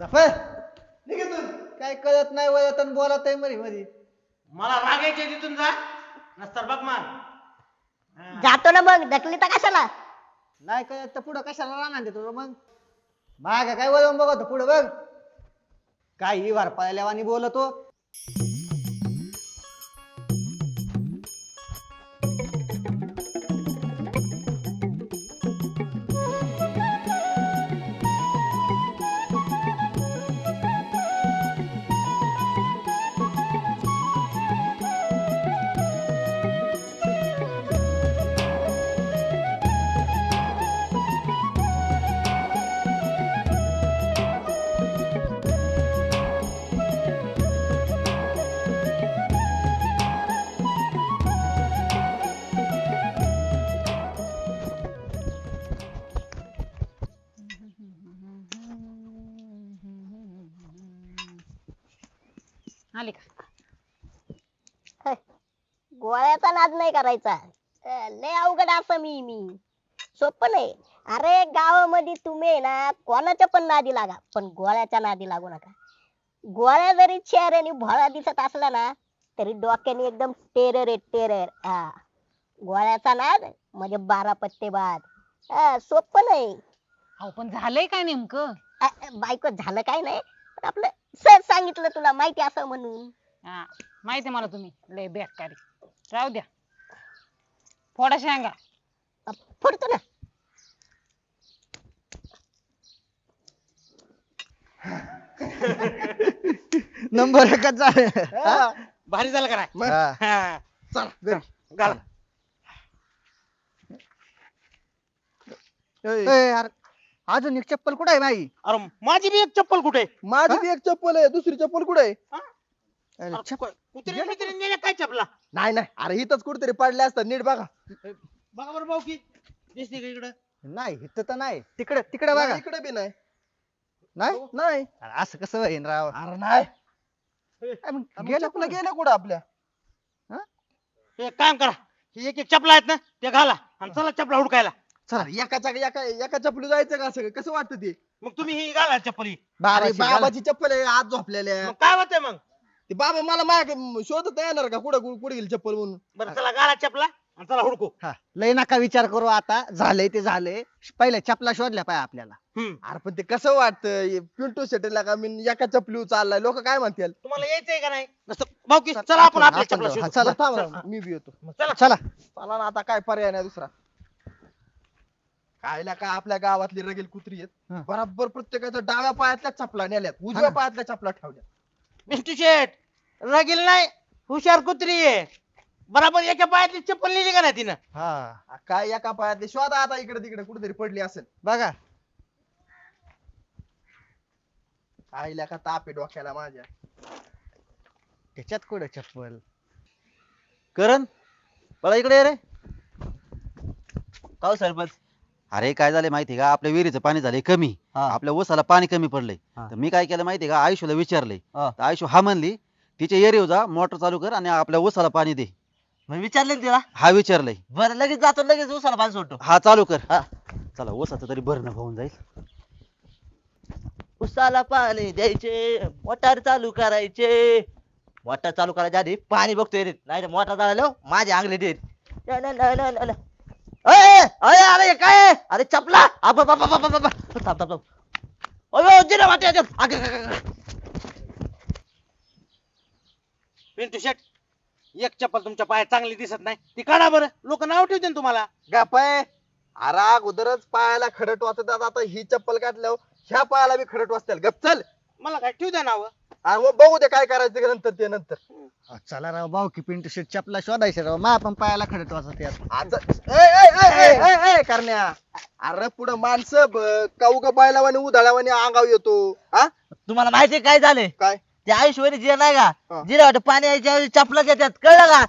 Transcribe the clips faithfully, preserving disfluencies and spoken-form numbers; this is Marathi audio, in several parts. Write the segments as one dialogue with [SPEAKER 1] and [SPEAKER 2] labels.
[SPEAKER 1] जफर निघेतून काय कळत नाही वळत आणि बोलत आहे मरी मधी.
[SPEAKER 2] मला रागायचे तिथून जा नसतर बघ मान.
[SPEAKER 3] जातो ना मग ढकली तर कशाला.
[SPEAKER 1] नाही कळत तर पुढं कशाला राहणार देतो मग. माग काय वळून बघतो पुढं बघ. काय ही वार पाळल्यावानी बोलतो.
[SPEAKER 4] आले का?
[SPEAKER 3] गोळ्याचा नाद नाही करायचा. अं, लय अवघड असं मी मी सोपं नाही. अरे गावामध्ये तुम्ही ना कोणाच्या पण नादी लागा पण गोळ्याच्या नादी लागू नका. गोळ्या जरी चेहऱ्याने भोळा दिसत असला ना तरी डोक्याने एकदम टेरर आहे टेरर. हा गोळ्याचा नाद म्हणजे बारा पत्ते बाद. हा, सोपं नाही.
[SPEAKER 4] अहो पण झालंय काय नेमकं?
[SPEAKER 3] अ, अ, बायको झालं काय नाही पण आपलं सहज सांगितलं तुला माहिती असं म्हणून.
[SPEAKER 4] हा माहिती आहे मला तुम्ही लय बेकारी. राहू द्या फोडा शेंगा.
[SPEAKER 3] अ, फोडतो ना.
[SPEAKER 1] नंबर एकच झाले.
[SPEAKER 2] हा, भारी झालं का नाही?
[SPEAKER 1] हा.
[SPEAKER 2] हा, चल घाल.
[SPEAKER 1] ए, यार, अजून एक चप्पल कुठे आहे माई?
[SPEAKER 2] अरे माझी बी एक चप्पल कुठे?
[SPEAKER 5] माझी बी एक चप्पल आहे दुसरी चप्पल कुठे आहे?
[SPEAKER 1] अरे,
[SPEAKER 2] अरे,
[SPEAKER 1] चप्पल
[SPEAKER 2] कुत्रे बित्रे नेल्या काय चपला?
[SPEAKER 5] नाही नाही अरे इथंच कुठेतरी पडले असतात नीट बघा.
[SPEAKER 2] बघा बरं भाऊ की दिसते का इकडं?
[SPEAKER 1] नाही इथं तर नाही. तिकडे तिकडे बघा.
[SPEAKER 5] नाही, इकडे बी नाही.
[SPEAKER 1] नाही
[SPEAKER 5] नाही
[SPEAKER 1] अरे, असं कसं होईन राव.
[SPEAKER 5] अरे नाही
[SPEAKER 1] काय मग
[SPEAKER 5] गेलं
[SPEAKER 1] गेलं
[SPEAKER 5] चप्पल गेलं कुठं आपल्या?
[SPEAKER 2] एक काम करा ही एक एक चपला आहेत ना ते घाला आणि चला चपला हुडकायला.
[SPEAKER 5] अरे एकाच्या एका एका चपली जायचं का असं कसं वाटतं ते?
[SPEAKER 2] मग तुम्ही ही घाला चप्पल ही.
[SPEAKER 5] अरे
[SPEAKER 1] बाबाची घाला.
[SPEAKER 5] बाबाची चप्पल आहे आज झोपलेल्या.
[SPEAKER 2] मग काय होतंय मग?
[SPEAKER 5] ते बाबा मला माग शोधत येणार का कुठं कुठे गेली चप्पल म्हणून?
[SPEAKER 2] बरं चला घाला चपला आणि चला हुडकू.
[SPEAKER 1] हा लय नका विचार करू आता. झालंय ते झालंय. पहिले चपला शोधल्या पाहिजे आपल्याला.
[SPEAKER 2] हम्म.
[SPEAKER 5] अरे पण ते कसं वाटतं पिंटू शेटेला का मी एका चपली चाललाय लोक काय म्हणतील?
[SPEAKER 2] तुम्हाला यायचंय का नाही? नसतं भाऊ की चला आपण आपल्या
[SPEAKER 1] आपण
[SPEAKER 2] चपला
[SPEAKER 1] जाऊ. हा,
[SPEAKER 2] शोधू.
[SPEAKER 1] चला.
[SPEAKER 5] थांब ना, मी बी येतो.
[SPEAKER 2] चला
[SPEAKER 1] चला
[SPEAKER 5] चला ना आता काय पर्याय नाही दुसरा. कायला का आपल्या गावातली रगेल कुत्री
[SPEAKER 1] हा.
[SPEAKER 5] आहेत बरोबर प्रत्येकाच्या डाव्या पायातल्या चपला नेल्यात उजव्या
[SPEAKER 1] ना.
[SPEAKER 5] पायातल्या चपला ठेवल्या.
[SPEAKER 2] मिस्टर शेठ रगील नाही हुशार कुत्री आहे. बराबर एका पायातली चप्पल नेली का नाही तिनं?
[SPEAKER 1] हा
[SPEAKER 5] आ, काय एका पायातली शोधा आता इकडे तिकडे कुठेतरी पडली असेल.
[SPEAKER 1] बघा.
[SPEAKER 5] आईला का ताप आहे डोक्याला माझ्या.
[SPEAKER 1] त्याच्यात कुठे चप्पल?
[SPEAKER 6] करण मला इकडे ये रे.
[SPEAKER 7] काव सरपंच.
[SPEAKER 6] अरे काय झालं माहिती का आपल्या विहिरीचं पाणी झालंय कमी.
[SPEAKER 7] हा.
[SPEAKER 6] आपल्या ऊसाला पाणी कमी पडलंय.
[SPEAKER 7] हा.
[SPEAKER 6] तर मी काय केलं माहिती का आयुष्याला विचारलंय.
[SPEAKER 7] हा.
[SPEAKER 6] तर आयुष्य हा म्हणली तिच्या एरिया जा मोटर चालू कर आणि आपल्या ऊसाला पाणी दे.
[SPEAKER 7] मग विचारले ना तिला.
[SPEAKER 6] हा विचारलंय.
[SPEAKER 7] बरं लगेच जातो लगेच उसाला पाणी सोडतो.
[SPEAKER 6] हा चालू कर.
[SPEAKER 7] हा.
[SPEAKER 6] चला ऊसाचं तरी भरणं होऊन जाईल.
[SPEAKER 7] उसाला पाणी द्यायचे मोटार चालू करायचे. मोटार चालू करायच्या आधी पाणी बघतोय रे नाही मोटार चालू माझे आंगले देत. अरे अरे काय अरे चपला थांब थांब थांब. अयो जिरा वाटे अगं, अगं, अगं.
[SPEAKER 2] पिंटू शेठ एक चप्पल तुमच्या पायात चांगली दिसत नाही ती काढा बरं लोक नाव ठेवते ना तुम्हाला.
[SPEAKER 5] गपाय अरे अगोदरच पायाला खडट वाचतात आता ही चप्पल काढल्यावर ह्या पायाला बी खडट वाचतील. गप चल.
[SPEAKER 2] मला काय ठेवू द्या नाव.
[SPEAKER 5] अरे मग बघू दे काय करायचं ते नंतर ते नंतर.
[SPEAKER 1] हा, चला राव भाऊ की पिंटू शेट चपला शोधायचे राव. मा पण पायाला खडत वाजत यार.
[SPEAKER 5] आता ए, ए, ए, ए, ए, ए, करण्या अरे पुढं माणसं काऊ का बायलावानी उधाळावानी अंगाव येतो. हा
[SPEAKER 7] तुम्हाला माहिती काय झाले
[SPEAKER 5] काय
[SPEAKER 7] ते आयुष्यवादी जिरा नाही
[SPEAKER 5] हा.
[SPEAKER 7] का जिरा वाटे पाणी यायच्या ऐवजी चपला देतात कळलं का.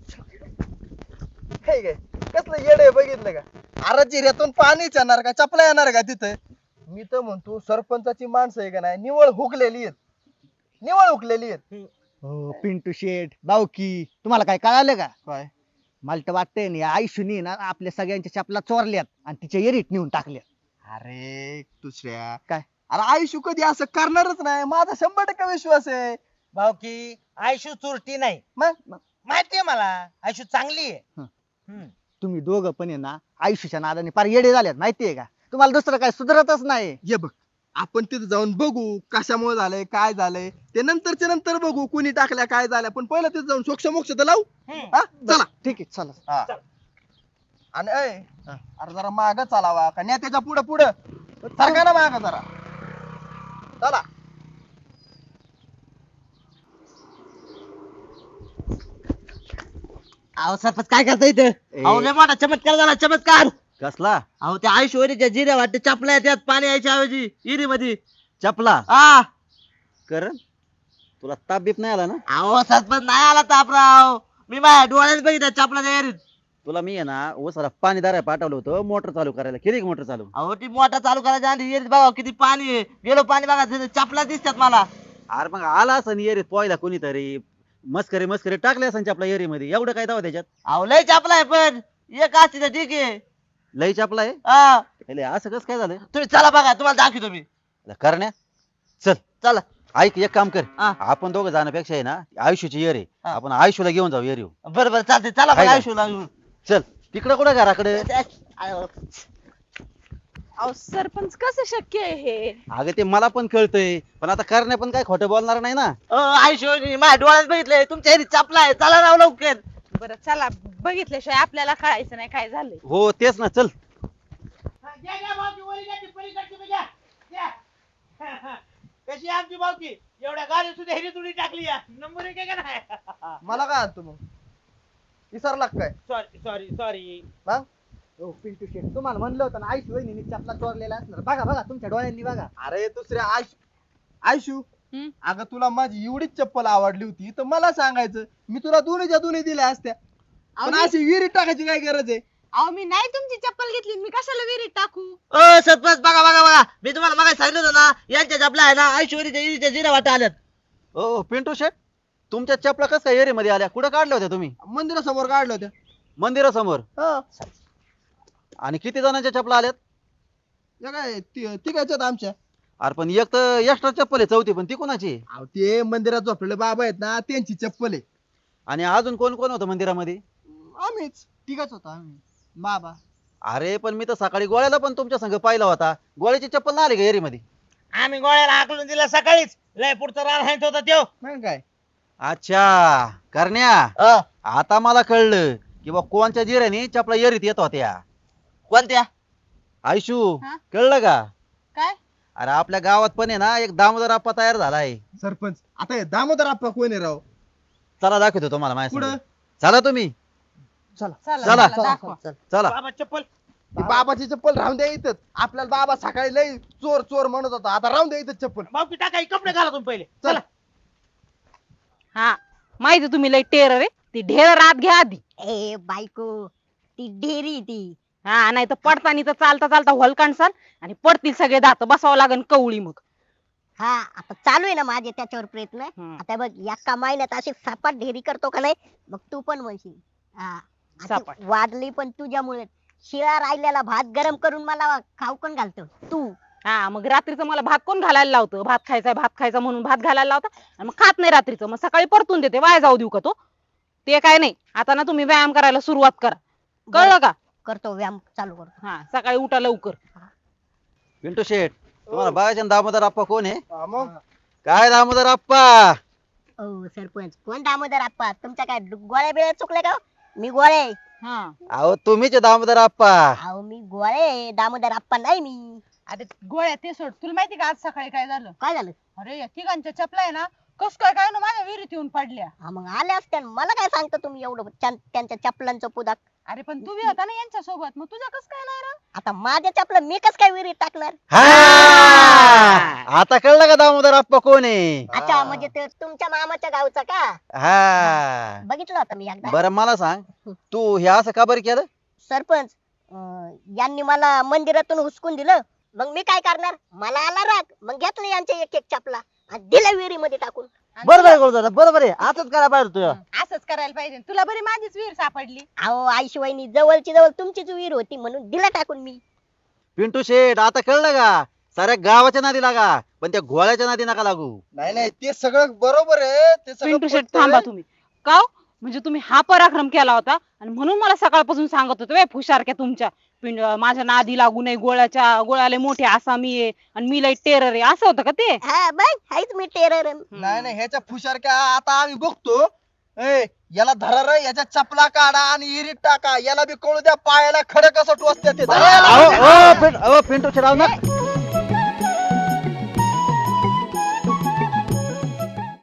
[SPEAKER 5] हे काय कसलं येडे बघितलं का? अरे जिऱ्यातून पाणीच येणार का चपला येणार का तिथं? मी तर म्हणतो सरपंचाची माणसं आहे का नाही निवळ हुकलेली आहेत निवळ हुकलेली आहेत.
[SPEAKER 1] हो पिंटू शेट भाऊ की तुम्हाला काय कळालं का?
[SPEAKER 5] काय
[SPEAKER 1] मला तर वाटतंय ना आयुष्यनी ना आपल्या सगळ्यांच्या चपला चोरल्यात आणि तिच्या एरीत नेऊन टाकल्यात.
[SPEAKER 5] अरे दुसऱ्या
[SPEAKER 1] काय?
[SPEAKER 5] अरे आयुष्य कधी असं करणारच नाही, माझा शंभर टक्के विश्वास आहे.
[SPEAKER 2] भाऊ की आयशू चुरटी नाही
[SPEAKER 5] मग
[SPEAKER 2] माहितीये मला आयशू चांगली आहे
[SPEAKER 1] हं.
[SPEAKER 2] हम्म.
[SPEAKER 1] तुम्ही दोघं पण आहे ना आयुष्याच्या नादाने फार येडे झाल्यात माहितीये का? तुम्हाला दुसरं काय सुधरतच नाही.
[SPEAKER 5] ये बघ, आपण तिथे जाऊन बघू कशामुळे झालंय काय झालंय ते नंतरच्या नंतर बघू, कुणी टाकल्या काय झाल्या, पण पहिलं तिथे जाऊन सोक्ष मोक्ष तर लावू.
[SPEAKER 2] हम्म.
[SPEAKER 5] हा चला.
[SPEAKER 1] ठीक आहे चला.
[SPEAKER 5] हा. आणि ऐ, अरे जरा माग चालावा का नेत्याच्या पुढे पुढे सरका ना माग जरा. चला.
[SPEAKER 7] अहो सरपंच काय करता इथं? अहो लय मोठा चमत्कार झाला, चमत्कार.
[SPEAKER 6] कसला
[SPEAKER 7] अहो त्या आयुष्यवरीच्या जिऱ्या वाटते चपल्या त्यात पाणी यायच्या ऐवजी इरी मध्ये.
[SPEAKER 6] चपला
[SPEAKER 7] हा
[SPEAKER 6] कर तुला ताप बीप नाही आला ना?
[SPEAKER 7] अहो सरपंच नाही आला तापराव, मी माझ्या डोळ्यात बघितलं चपला त्या एरीत.
[SPEAKER 6] तुला मी आहे ना ओसाला पाणी दारा पाठवलं होतं मोटर चालू करायला, केली मोटर चालू?
[SPEAKER 7] अहो ती मोठा चालू करायच्या आधी एरीत बघा किती पाणी आहे. गेलो पाणी बघा तिथे चपला दिसतात मला.
[SPEAKER 6] अरे मग आला असं येरीत पोहायला कोणीतरी मस्करी मस्करी टाकले असं आपल्या एरी मध्ये, एवढं काय दावा त्याच्यात?
[SPEAKER 7] अहो लय चपला आहे पण एक असते तर ठीक आहे.
[SPEAKER 6] लई चपला आहे.
[SPEAKER 7] हा
[SPEAKER 6] अरे असं कसं काय झालं?
[SPEAKER 7] तुम्ही चला बघा, तुम्हाला दाखवतो मी.
[SPEAKER 6] करण्या चल
[SPEAKER 7] चला.
[SPEAKER 6] ऐक एक काम कर,
[SPEAKER 7] हा.
[SPEAKER 6] आपण दोघं जाण्यापेक्षा आहे ना आयुष्याची येर आहे,
[SPEAKER 7] हा.
[SPEAKER 6] आपण आयुष्याला घेऊन जाऊ येरी.
[SPEAKER 7] बरं बरं चालते, चला
[SPEAKER 6] काय
[SPEAKER 7] बघा
[SPEAKER 6] झालं?
[SPEAKER 7] आयुष्य
[SPEAKER 6] चल तिकडं कुठं घराकडे?
[SPEAKER 8] अहो सरपंच कसं शक्य आहे हे?
[SPEAKER 6] अगं ते मला पण कळतंय, पण आता करण्या पण काय खोटं बोलणार नाही ना.
[SPEAKER 7] आयुष्य माझ्या डोळ्यात बघितलंय तुमच्या एरीत चपला आहे. चला राव लवकर.
[SPEAKER 8] बरं चला, बघितल्याशिवाय आपल्याला कळायचं नाही काय झालंय.
[SPEAKER 6] हो तेच ना, चल.
[SPEAKER 2] हा, घ्या, घ्या, भाऊकी, वरी घ्या, ती पलीकडची बी घ्या. घ्या. कशी आहे आमची भाऊकी? एवढ्या गाडी सुद्धा हिरी तुडी टाकली या. नंबर एक आहे का नाही?
[SPEAKER 5] मला काय आणतो मग, विसरला का काय?
[SPEAKER 2] सॉरी सॉरी सॉरी
[SPEAKER 5] मग
[SPEAKER 1] हो पिंटू शेट, तुम्हाला म्हणलं होतं ना आयुष्य वहिनी चपला चोरलेला असणार. बघा बघा तुमच्या डोळ्यांनी बघा.
[SPEAKER 5] अरे दुसऱ्या आयशू आयशू
[SPEAKER 8] हम्म?
[SPEAKER 5] अगं तुला माझी एवढीच चप्पल आवडली होती तर मला सांगायचं, मी तुला दोन्हीच्या दोन्ही दिल्या असत्या. पण
[SPEAKER 8] अहो,
[SPEAKER 5] अशी विहिरीत टाकायची काय गरज आहे?
[SPEAKER 8] अहो मी नाही तुमची चप्पल घेतली, मी कशाला विहिरीत टाकू?
[SPEAKER 7] ओ सरपंच बघा बघा बघा, मी तुम्हाला मागे सांगितलं होतं ना यांच्या चपला आहे ना ऐश्वर्याच्या इरीच्या जिरा वाटा आल्यात.
[SPEAKER 6] ओ पिंटू शेट, तुमच्या चपला कसं काय एरी मध्ये आल्या? कुठं काढल्या होत्या तुम्ही?
[SPEAKER 5] मंदिरासमोर काढलं होत्या.
[SPEAKER 6] मंदिरासमोर.
[SPEAKER 5] हा.
[SPEAKER 6] आणि किती जणांच्या चपला आल्यात?
[SPEAKER 5] या काय ति- तिघाच्यात आमच्या.
[SPEAKER 6] अरे पण एक तर एक्स्ट्रा चप्पल आहे चौथी, पण ती कोणाची आहे?
[SPEAKER 5] अहो, ते मंदिरात झोपलेले बाबा आहेत ना त्यांची चप्पल आहे.
[SPEAKER 6] आणि अजून कोण कोण होतं मंदिरामध्ये?
[SPEAKER 5] आम्हीच
[SPEAKER 1] तिघच होतो आम्ही. बाबा
[SPEAKER 6] अरे पण मी तर सकाळी गोळ्याला पण तुमच्या संग पाहिला होता, गोळ्याची चप्पल नाही आली का एरी मध्ये?
[SPEAKER 2] आम्ही गोळ्याला हाकलून दिला सकाळीच. लय पुढचा रान हायत होता त्यो.
[SPEAKER 5] मग काय.
[SPEAKER 6] अच्छा करण्या,
[SPEAKER 7] अ,
[SPEAKER 6] आता मला कळलं की बा कोणच्या जिऱ्याने चपला एरीत येत होत्या.
[SPEAKER 7] कोणत्या?
[SPEAKER 6] आयशू
[SPEAKER 8] हा?
[SPEAKER 6] कळलं का?
[SPEAKER 8] काय?
[SPEAKER 6] अरे आपल्या गावात पण आहे ना एक दामोदर आप्पा तयार झालाय.
[SPEAKER 5] सरपंच आता हे दामोदर आप्पा कोण आहे राव?
[SPEAKER 6] चला दाखवतो तुम्हाला माझ्या
[SPEAKER 5] कुठं?
[SPEAKER 6] संग. चला तुम्ही
[SPEAKER 8] चला
[SPEAKER 6] चला.
[SPEAKER 8] चला, दाखवा.
[SPEAKER 6] चला.
[SPEAKER 2] बाबा चप्पल.
[SPEAKER 5] ती बाबाची चप्पल राहून द्या इथंच. आपल्याला बाबा सकाळी लय चोर चोर म्हणत होता, आता राहून द्या इथंच चप्पल.
[SPEAKER 2] भाऊकी टाका, हे कपडे घाला तुम्ही पहिले.
[SPEAKER 5] चल.
[SPEAKER 2] चला.
[SPEAKER 8] हा माहिती तुम्ही लय टेरर आहे. ती ढेर आत घ्या आधी.
[SPEAKER 3] ए बायको, ती डेरी ती.
[SPEAKER 8] हा नाही तर पडतानी तर चालता चालता हलकांसाल आणि पडतील सगळे दात, बसावं लागन कवळी मग.
[SPEAKER 3] हा आता चालू आहे ना माझे त्याच्यावर प्रयत्न.
[SPEAKER 8] हम्म.
[SPEAKER 3] आता बघ एका महिन्यात अशी सपाट ढेरी करतो का नाही, मग तू पण म्हणशील. हा अशी
[SPEAKER 8] सपाट.
[SPEAKER 3] वाढली पण तुझ्यामुळे. शिळा राहिलेला भात गरम करून मला खाऊ कोण घालतो? तू.
[SPEAKER 8] हा मग रात्रीचं मला भात कोण घालायला लावतं? भात खायचा भात खायचा म्हणून भात घालायला लावता आणि मग खात नाही रात्रीचं, मग सकाळी परतून देते. वाया जाऊ देऊ का तो? ते काय नाही. आता ना तुम्ही व्यायाम करायला सुरुवात करा, कळलं का?
[SPEAKER 3] करतो व्यायाम चालू करतो.
[SPEAKER 8] हा सकाळी उठा लवकर.
[SPEAKER 6] पिंटू शेठ, तुम्हाला बघायचे ना दामोदर आप्पा कोण आहे?
[SPEAKER 5] हा, मग
[SPEAKER 6] काय दामोदर आप्पा?
[SPEAKER 3] ओ सरपंच, कोण दामोदर आप्पा? तुमच्या काय गोळ्या बिळ्या चुकले का? मी गोळे.
[SPEAKER 8] हा
[SPEAKER 6] अहो तुम्हीच आहे दामोदर आप्पा.
[SPEAKER 3] अहो मी गोळे, दामोदर आप्पा नाही मी.
[SPEAKER 4] अरे गोळ्या ते सोड, तुला माहिती का आज सकाळी काय झालं?
[SPEAKER 3] काय झालं?
[SPEAKER 4] अरे या तिघांच्या चपला आहे ना कस काय काय ना माझ्या विहिरीत येऊन पडल्या.
[SPEAKER 3] हा मग आले असते ना. मला काय सांगता तुम्ही एवढं त्यां- त्यांच्या चपलांचं पुदाक?
[SPEAKER 4] अरे पण तू बी होता ना यांच्या सोबत, मग तुझ्या कस काय नाही रे?
[SPEAKER 3] आता माझ्या चपला मी कस काय विहिरीत टाकणार?
[SPEAKER 6] हा आता कळलं का दामोदर आप्पा कोण आहे?
[SPEAKER 3] अच्छा, म्हणजे ते तुमच्या मामाच्या गावचा का?
[SPEAKER 6] हा
[SPEAKER 3] बघितलं होतं मी एकदा.
[SPEAKER 6] बरं मला सांग, तू हे असं का बरं केलं?
[SPEAKER 3] सरपंच, अं, यांनी मला मंदिरातून हुसकून दिलं. मग मी काय करणार? मला आला राग, मग घेतलं यांच्या एक एक चपला आणि दिल्या विहिरीमध्ये टाकून.
[SPEAKER 4] आणि
[SPEAKER 7] बरोबर आहे गोळदादा, बरोबर आहे. असंच करायला पाहिजे तुझ्या.
[SPEAKER 4] तुला असंच करायला पाहिजे. तुला बरी माझीच विहीर सापडली.
[SPEAKER 3] अहो आईशिवायनी जवळची जवळ तुमचीच विहीर होती म्हणून दिला टाकून मी.
[SPEAKER 6] पिंटू शेठ आता कळलं का? साऱ्या गावाच्या नादी लागा पण त्या गोळ्याच्या नादी नका लागू.
[SPEAKER 5] नाही नाही ते सगळं बरोबर आहे ते सगळं
[SPEAKER 8] पिंटू शेट
[SPEAKER 5] पटतंय.
[SPEAKER 8] थांबा तुम्ही. का हो? म्हणजे तुम्ही हा पराक्रम केला होता आणि म्हणून मला सकाळपासून सांगत होते फुशारक्या तुमच्या पिंड माझ्या नादी लागू नये, गोळ्याच्या गोळ्याला मोठे असा मी आहे आणि मी लई टेरर आहे, असं होतं का ते?
[SPEAKER 3] हा बघ हायच मी टेरर
[SPEAKER 5] नाही नाही ह्याच्या फुशारक्या आता आम्ही बघतो. ए याला धरा रे, याच्या चपला काढा आणि इरीत टाका, याला बी कळू द्या पायाला खडक कसं टोचते ते.
[SPEAKER 6] अहो, अहो, पिं- अहो, पिंटू शेट, अहो, ना